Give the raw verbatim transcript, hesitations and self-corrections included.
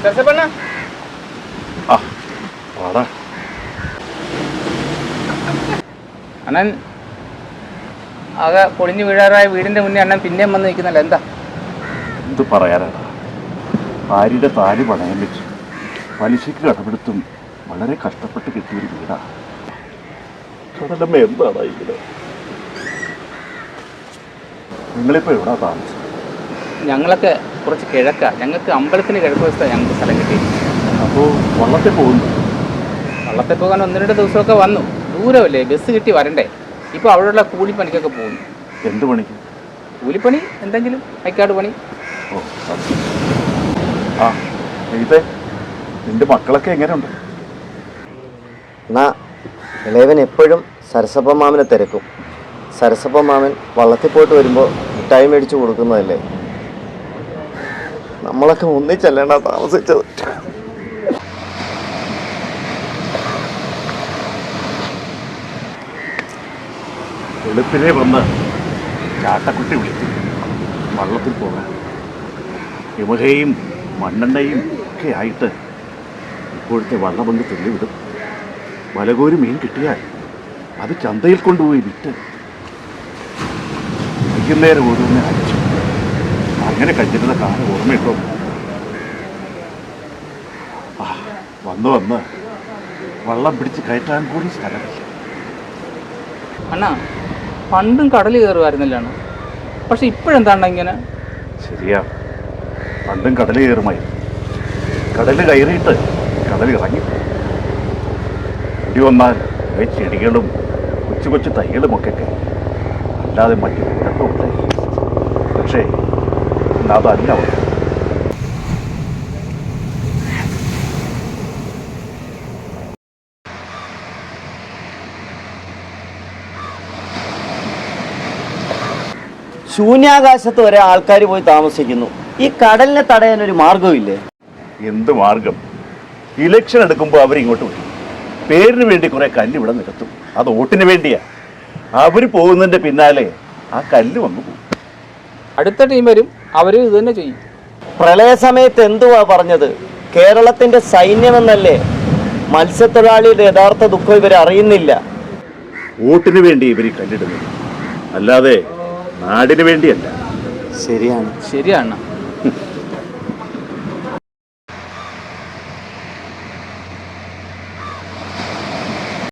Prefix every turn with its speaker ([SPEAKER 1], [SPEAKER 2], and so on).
[SPEAKER 1] അണ്ണൻ ആകെ പൊളിഞ്ഞു വീഴാറായ വീടിന്റെ മുന്നേ അണ്ണൻ പിന്നെയും വന്ന് നിൽക്കുന്നല്ല, എന്താ?
[SPEAKER 2] എന്ത് പറയാനാണ്, ഭാര്യയുടെ താലി പണയം വെച്ച് പലിശയ്ക്ക് കടമെടുത്തും വളരെ കഷ്ടപ്പെട്ട് കിട്ടിയൊരു വീടാണ്. കടലമ്മ എന്താണ് ഇത്? നിങ്ങളിപ്പോൾ എവിടാ താമസം?
[SPEAKER 1] ഞങ്ങളൊക്കെ കുറച്ച് കിഴക്കാ, ഞങ്ങൾക്ക് അമ്പലത്തിന് കിഴക്ക് വശത്താണ് ഞങ്ങൾക്ക് സ്ഥലം കിട്ടി.
[SPEAKER 2] അപ്പോൾ വള്ളത്തിൽ പോകുന്നു?
[SPEAKER 1] വള്ളത്തിൽ പോകാൻ ഒന്ന് രണ്ട് ദിവസമൊക്കെ വന്നു, ദൂരമല്ലേ, ബസ് കിട്ടി വരണ്ടേ. ഇപ്പോൾ അവിടെയുള്ള കൂലിപ്പണിക്കൊക്കെ പോകുന്നു.
[SPEAKER 2] എന്ത് പണിക്ക്?
[SPEAKER 1] കൂലിപ്പണി, എന്തെങ്കിലും ഐക്കാട് പണി.
[SPEAKER 2] ഓ ആ ഇതേ, നിന്റെ മക്കളൊക്കെ എങ്ങനെയുണ്ട്?
[SPEAKER 3] എന്നാ ഇളയവൻ എപ്പോഴും സരസപ്പ മാമനെ തിരക്കും. സരസപ്പ മാമൻ വള്ളത്തിൽ പോയിട്ട് വരുമ്പോൾ മിഠായി മേടിച്ചു കൊടുക്കുന്നതല്ലേ. നമ്മളൊക്കെ ഒന്നിച്ചല്ലേണ്ടാ താമസിച്ചത്.
[SPEAKER 2] വെളുപ്പിനെ വന്ന് ചാട്ടക്കുട്ടി വിളിച്ചു വള്ളത്തിൽ പോകാൻ. യമഹയും മണ്ണെണ്ണയും ഒക്കെ ആയിട്ട് ഇപ്പോഴത്തെ വള്ളപങ്ക് തെളിവിടും. വലകോരി മീൻ കിട്ടിയാൽ അത് ചന്തയിൽ കൊണ്ടുപോയി വിറ്റ് വൈകുന്നേരം ഓരോന്നെ അയച്ചു. അങ്ങനെ കഴിഞ്ഞിരുന്ന കാലം ഓർമ്മയിട്ടോ? ആ വന്ന് വന്ന് വള്ളം പിടിച്ച് കയറ്റാൻ കൂടി സ്ഥലമില്ല.
[SPEAKER 1] അണ്ണാ, പണ്ടും കടൽ കയറുമായിരുന്നല്ലാണ്, പക്ഷെ ഇപ്പോഴെന്താണ്ട ഇങ്ങനെ?
[SPEAKER 2] ശരിയാ, പണ്ടും കടൽ കയറുമായി. കടൽ കയറിയിട്ട് കടൽ ഇറങ്ങി. ഇടി വന്നാൽ ചെടികളും കൊച്ചു കൊച്ചു തൈകളുമൊക്കെ കയറി, അല്ലാതെ മറ്റു കുഴപ്പമില്ല. പക്ഷേ അതല്ല അവർ.
[SPEAKER 3] ശൂന്യാകാശത്ത് വരെ ആൾക്കാർ പോയി താമസിക്കുന്നു. ഈ കടലിനെ തടയാൻ ഒരു മാർഗമില്ലേ?
[SPEAKER 2] എന്ത് മാർഗം? ഇലക്ഷൻ എടുക്കുമ്പോൾ അവരിങ്ങോട്ട് വരും, പേരിന് വേണ്ടി കുറെ കല്ല് ഇവിടെ നിരത്തും. അത് വോട്ടിന് വേണ്ടിയാ. അവർ പോകുന്നതിന്റെ പിന്നാലെ ആ കല്ല് വന്നു പോകും.
[SPEAKER 1] അടുത്ത ടീം വരും, അവർ ഇത് തന്നെ ചെയ്യും.
[SPEAKER 3] പ്രളയ സമയത്ത് എന്തുവാ പറഞ്ഞത്? കേരളത്തിന്റെ സൈന്യമെന്നല്ലേ? മത്സ്യത്തൊഴിലാളിയുടെ യഥാർത്ഥ ദുഃഖം ഇവർ അറിയുന്നില്ല.
[SPEAKER 2] വോട്ടിന് വേണ്ടി ഇവർ കല്ലിടുന്നത്, അല്ലാതെ നാടിന് വേണ്ടിയല്ല.
[SPEAKER 3] ശരിയാണ്
[SPEAKER 1] ശരിയാണ്.